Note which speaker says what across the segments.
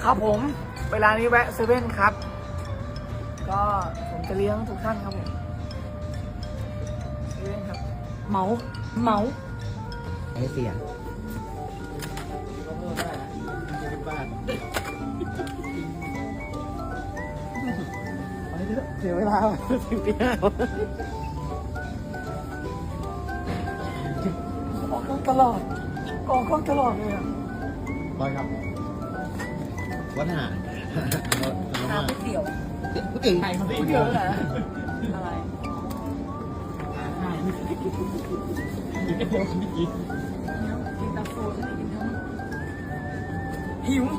Speaker 1: ครับผมเวลานี้แวะเซเว่นครับก็ผมจะเลี้ยงทุกท่านครับผมเซเว่นครับเหมา
Speaker 2: ให้เสียงเสียเวลาถึงตีห้าอ
Speaker 1: อกกล้องตลอดออกกล้องตลอดเลยอ่ะ
Speaker 2: บอยครับวัดหา
Speaker 1: ก๋วยเตี๋ยว
Speaker 2: ก๋วยเตี๋ยวไทยครับก๋วยเตี๋ยว
Speaker 1: อะไร
Speaker 2: กินก๋วยเตี๋ยวไม่กิน
Speaker 1: กินตาโฟใช่ไหมกินทั้งหิว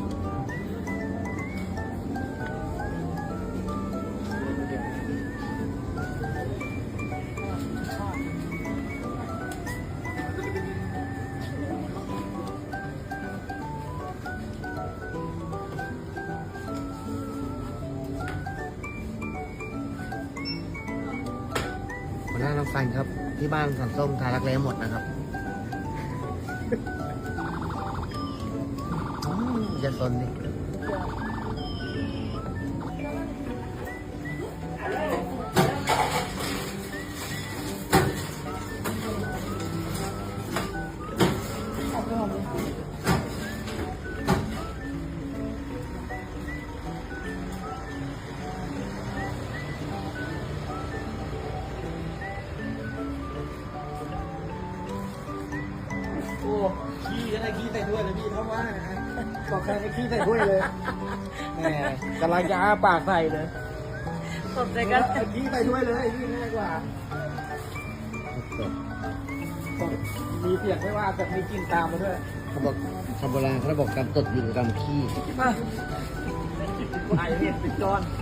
Speaker 2: หัวหน้าน้องฟันครับที่บ้านสันส้มทารักแร้หมดนะครับอย่าสนดิโอ้ขี้ก็ได้ขี้ใส่ถ้วยเลยพี่ถ้าว่านะฮะบอกใครให้ขี้ใส่ถ้วยเลยแหมกำลังจะอ้าปากใส่เลย
Speaker 1: สดใจกัน
Speaker 2: ขี้ใส่ถ้วยเลยขี้ง่ายกว่ามีเสียงไม่ว่าแต่มีกลิ่นตามมาด้วยเขาบอกคำโบราณเขาบอกการตดอยู่กับการขี้
Speaker 1: มาไอเห็ดติดจอน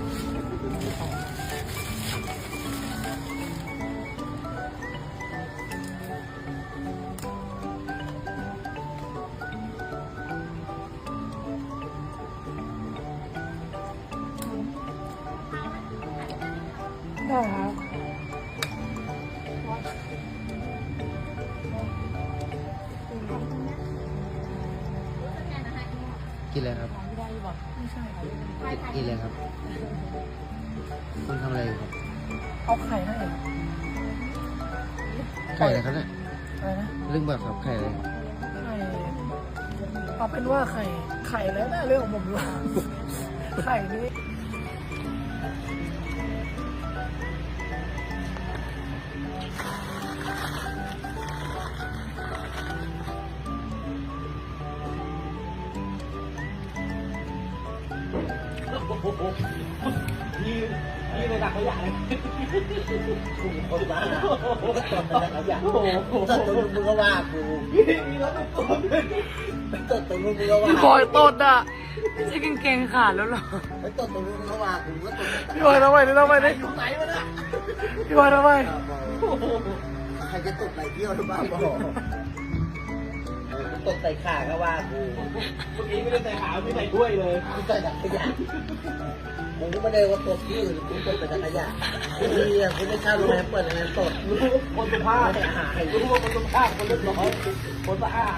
Speaker 1: ได้ครับ
Speaker 2: กินอะไรครับ
Speaker 1: ไม่ใช่ครับ
Speaker 2: กินอะไรครับคุณทำอะไรอยู่ครับ
Speaker 1: เอาไข่ให้
Speaker 2: ไข่อะไรครับเนี่ย
Speaker 1: อะไรนะ
Speaker 2: เรื่องแบบครับไข่อะไร
Speaker 1: ไข่เอาเป็นว่าไข่แล้วนะเรื่องของผมด้วยไข่นี้
Speaker 2: นี่เลยดักขยะเลยกูคนบ้าก็ตดแต่ขยะตดตรงมึงก็ว่ากูนี่เราต้องตดตรงมึงก็ว่า
Speaker 1: พี่บอยตดอ่ะไม่ใช่กางเกงขาดแล้วหรอ
Speaker 2: ไม่ตดตรงมึงก็ว่ากูก็ตด
Speaker 1: พี่บอยทำไมนี่ทำไมนี่
Speaker 2: อยู่ไหนวะเนี่ย
Speaker 1: พี่บอยทำไม
Speaker 2: ใครจะตดไหนเที่ยวหรือเปล่าตดใส่ขาก็ว่ากูเมื่อกี้ไม่ได้ใส่ขาไม่ใส่ถ้วยเลยกูใส่ดักขยะผมก็ไม่ได้ว่าตดที่อื่นกูตดแต่ดักขยะนี่คุณไม่เช่าโรงแรมเปิดโรงแรมตดรู้คนสุภาพไม่หายรู้ว่าคนสุภาพคนเรียบร้อยคนสะอาด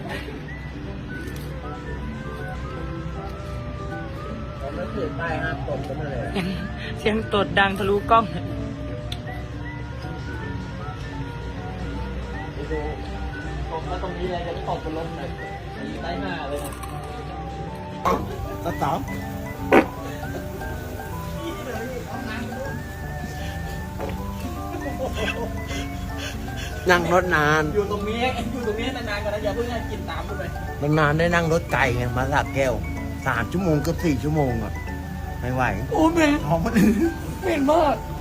Speaker 2: ผมไม่ถือป้ายห้ามตดก็มาเลย
Speaker 1: เสียงตดดังทะลุกล้อง
Speaker 2: ดูตกแล้วตรงนี้เลยจะไม่ตกบนลมเลยใต้หน้าเลยนะสามนั่งรถนานอยู่ตรงนี้นานๆก่อนนะอย่าเพิ่งให้กินตามไปนานๆได้นั่งรถไกลไงมาสระแก้ว3 ชั่วโมงเกือบ4 ชั่วโมงอ่ะไม่ไหว
Speaker 1: โอ้เหม็น
Speaker 2: ท้องมัน
Speaker 1: เหม็นมาก